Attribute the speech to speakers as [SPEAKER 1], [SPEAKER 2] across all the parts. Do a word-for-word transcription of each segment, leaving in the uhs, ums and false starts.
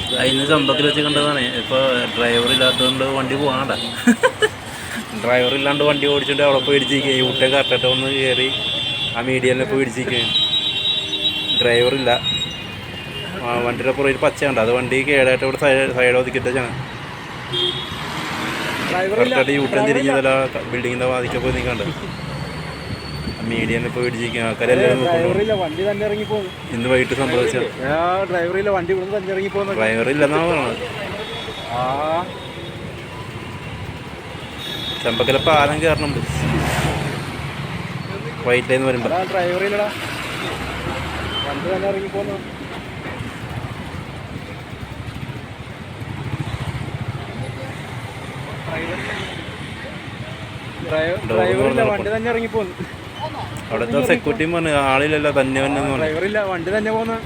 [SPEAKER 1] അതിന് ചമ്പക്കിൽ വെച്ച് കണ്ടതാണ്. ഇപ്പോൾ ഡ്രൈവർ ഇല്ലാത്തതുകൊണ്ട് വണ്ടി പോകാണ്ട. ഡ്രൈവർ ഇല്ലാണ്ട് വണ്ടി ഓടിച്ചിട്ട് അവിടെ പോയി ഇടിച്ചിരിക്കുക. ഈ ഊട്ടേ കറക്റ്റായിട്ട് ഒന്ന് കയറി ആ മീഡിയനെ പോയി ഇടിച്ചിരിക്കുക. ഡ്രൈവറില്ല. ആ വണ്ടിയുടെ പുറകിൽ പച്ചയുണ്ട്. അത് വണ്ടി കേടായിട്ട് ഇവിടെ സൈഡ് സൈഡ് ഒതുക്കിട്ടാണ് കറക്റ്റായിട്ട് യൂട്ടൻ തിരിഞ്ഞതല്ല ബിൽഡിങ്ങിൻ്റെ വാതിക്കെ പോയി നിൽക്കണ്ട്. മീഡിയനെ പോയി ഇടിച്ചിരിക്കുക. ആൾക്കാരെല്ലാവരും ഇന്ന് വൈകിട്ട് സംഭവിച്ച
[SPEAKER 2] ഡ്രൈവറില്ല വണ്ടി തന്നെ ഇറങ്ങി പോകുന്നത്.
[SPEAKER 1] ഡ്രൈവറില്ലെന്നാണ് പറഞ്ഞത്. ചമ്പക്കല പാലം കയറണുണ്ട് വൈറ്റ് ലൈൻ വരുമ്പോൾ.
[SPEAKER 2] ഡ്രൈവറില്ലടാ വണ്ടി തന്നെ ഇറങ്ങി പോകുന്നു. ഡ്രൈവറില്ല വണ്ടി തന്നെ ഇറങ്ങി പോകുന്നു.
[SPEAKER 1] അവിടുത്തെ സെക്യൂരിറ്റിയും പറഞ്ഞു ആളില്ലല്ലോ തന്നെ തന്നെ.
[SPEAKER 2] ഡ്രൈവറില്ല വണ്ടി തന്നെ പോകുന്നു.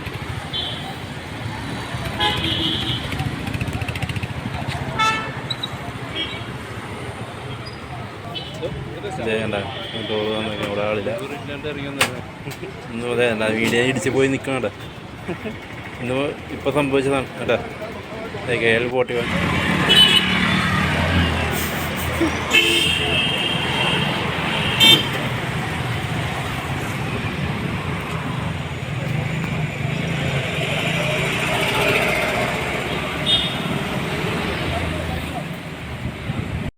[SPEAKER 1] ചെയ്യണ്ട ഇവിടെ ആളില്ല. ഇന്ന് അതെ അല്ല മീഡിയ ഇടിച്ച് പോയി നിൽക്കണ ഇന്ന് ഇപ്പോൾ സംഭവിച്ചതാണ് കേട്ടാ. K L forty one